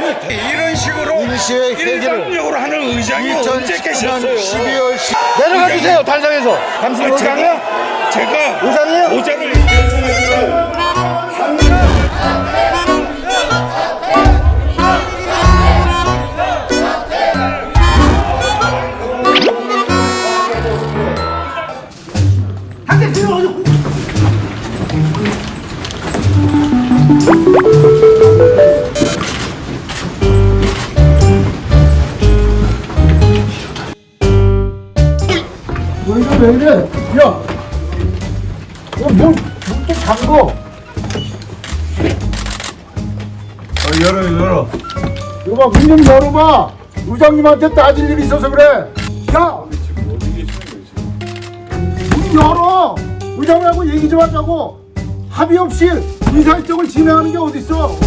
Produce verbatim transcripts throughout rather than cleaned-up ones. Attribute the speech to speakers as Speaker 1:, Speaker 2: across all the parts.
Speaker 1: 아니 이런 식으로
Speaker 2: 임시회 회기를
Speaker 1: 일방적으로 하는 의장이 언제 계셨어요?
Speaker 2: 십이월 십 내려가 주세요. 단상에서. 당신
Speaker 1: 아,
Speaker 2: 의장이야?
Speaker 1: 제가
Speaker 2: 의장이요?
Speaker 1: 보좌를
Speaker 2: 너 이거 왜 이래? 야! 문, 문좀 잠궈.
Speaker 1: 어, 열어 열어.
Speaker 2: 이거 봐, 문 좀 열어봐. 의장님한테 따질 일이 있어서 그래. 야! 문 열어! 의장님하고 얘기 좀 하자고. 합의 없이 의사일정을 진행하는 게 어딨어?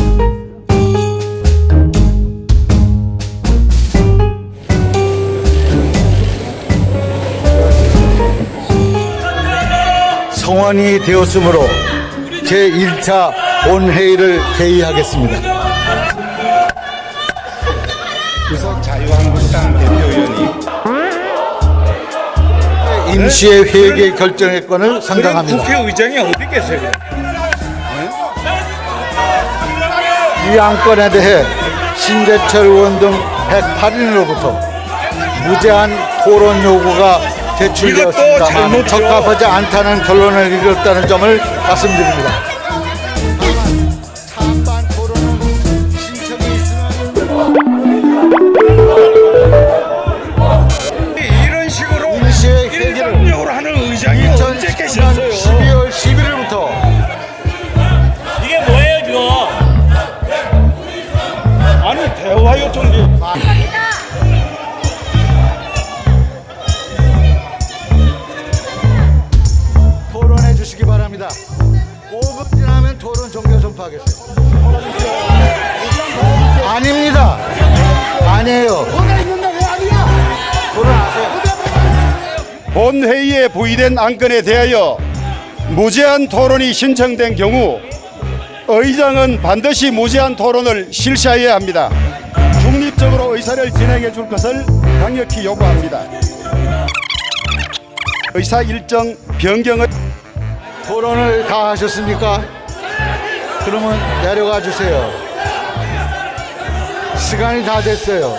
Speaker 2: 성안이 되었으므로 제일 차 본회의를 개의하겠습니다.
Speaker 1: 유석 자유한국당 대표위원이
Speaker 2: 임시회 회계 결정의 건을 상정합니다.
Speaker 1: 국회의장이 어디 계세요?
Speaker 2: 이 안건에 대해 신재철 의원 등 백팔 인으로부터 무제한 토론 요구가 제출되었습니다만 적합하지 않다는 결론을 이뤘다는 점을 말씀드립니다. 찬반 토론은 신청이 있으면
Speaker 1: 이런 식으로
Speaker 2: 임시회 회기를
Speaker 1: 일방적으로 하는 의장이 언제 계셨어요?
Speaker 2: 십이월 십일일부터
Speaker 1: 이게 뭐예요 지금? 아니 대화 요청이
Speaker 2: 토론해 주시기 바랍니다. 오 분 지나면 토론 종료 선포하겠습니다. 아닙니다. 아니에요. 토론하세요.
Speaker 3: 본회의에 부의된 안건에 대하여 무제한 토론이 신청된 경우 의장은 반드시 무제한 토론을 실시해야 합니다. 중립적으로 의사를 진행해 줄 것을 강력히 요구합니다. 의사 일정 변경을
Speaker 2: 토론을 다 하셨습니까? 그러면 내려가 주세요. 시간이 다 됐어요.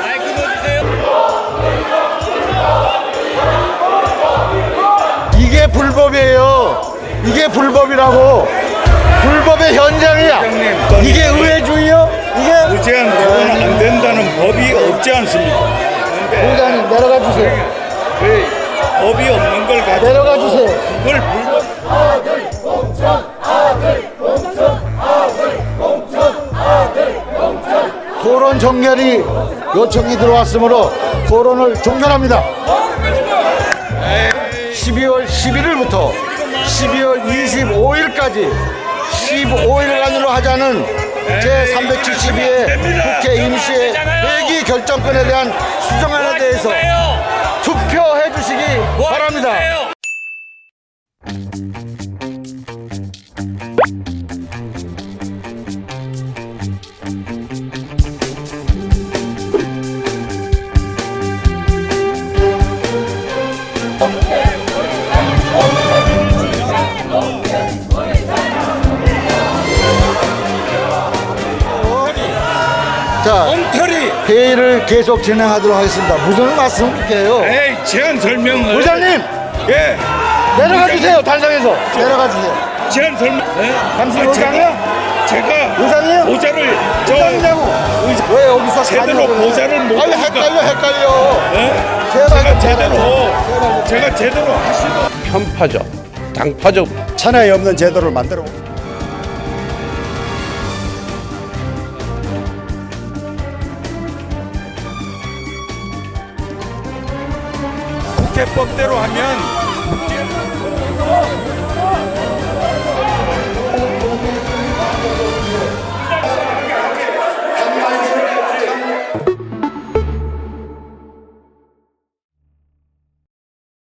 Speaker 2: 이게 불법이에요. 이게 불법이라고. 불법의 현장이야. 이게 의회주의요? 이게
Speaker 1: 무제한 토론 안 된다는 법이 없지 않습니까?
Speaker 2: 의장님 내려가 주세요.
Speaker 1: 왜 법이 없는 걸 가지고
Speaker 2: 내려가 주세요.
Speaker 1: 그걸 불법
Speaker 2: 토론 종결이 요청이 들어왔으므로 토론을 종결합니다. 십이월 십일일부터 십이월 이십오일까지 십오 일간으로 하자는 제삼백칠십이 회 국회 임시회 회기 결정권에 대한 수정안에 대해서 투표해 주시기 바랍니다. 자,
Speaker 1: 엉터리
Speaker 2: 회의를 계속 진행하도록 하겠습니다. 무슨 말씀이세요?
Speaker 1: 에이 제안 설명을
Speaker 2: 의장님
Speaker 1: 예
Speaker 2: 내려가 주세요. 단상에서 내려가 주세요.
Speaker 1: 제안 설명 예?
Speaker 2: 당신
Speaker 1: 아,
Speaker 2: 의장이요?
Speaker 1: 제가 제가
Speaker 2: 의장이요?
Speaker 1: 보좌를 저
Speaker 2: 의장이냐고? 왜 여기서
Speaker 1: 제대로
Speaker 2: 가냐고.
Speaker 1: 보좌를 못
Speaker 2: 아니
Speaker 1: 하니까.
Speaker 2: 헷갈려 헷갈려.
Speaker 1: 예?
Speaker 2: 제발
Speaker 1: 제가
Speaker 2: 좀
Speaker 1: 제대로
Speaker 2: 제발.
Speaker 1: 제가 제대로 하시도
Speaker 4: 편파적, 당파적
Speaker 3: 천하에 없는 제도를 만들어
Speaker 1: 국회법대로 하면